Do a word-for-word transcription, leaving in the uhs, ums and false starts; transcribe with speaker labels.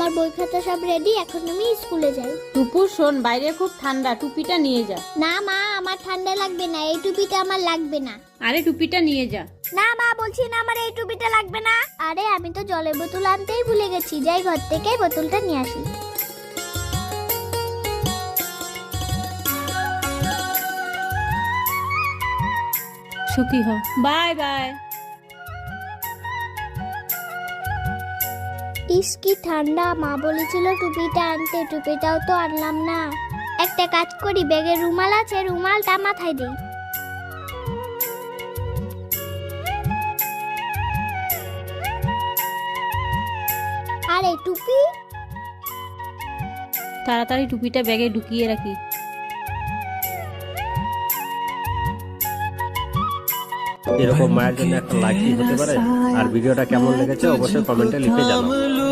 Speaker 1: আমার বই খাতা সব রেডি, এখন আমি স্কুলে যাই।
Speaker 2: টুপু শোন, বাইরে খুব ঠান্ডা, টুপিটা নিয়ে যা।
Speaker 1: না মা, আমার ঠান্ডা লাগবে না, এই টুপিটা আমার লাগবে না।
Speaker 2: আরে টুপিটা নিয়ে যা।
Speaker 1: না মা, বলছি না আমার এই টুপিটা লাগবে না। আরে আমি তো জলের বোতল আনতেই ভুলে গেছি, যাই ঘর থেকে বোতলটা নিয়ে আসি।
Speaker 2: সুখী হ, বাই বাই।
Speaker 1: ইস কি ঠান্ডা, মা বলেছিল টুপিটা আনতে, টুপিটাও তো আনলাম না। একটা কাজ করি, ব্যাগে রুমাল আছে, রুমালটা মাথায় দিই। আরে টুপি,
Speaker 2: তাড়াতাড়ি টুপিটা ব্যাগে ঢুকিয়ে রাখি।
Speaker 3: এরকম মায়ের জন্য একটা লাইক হতে পারে, আর ভিডিওটা কেমন লেগেছে অবশ্যই কমেন্টে লিখে জানাও।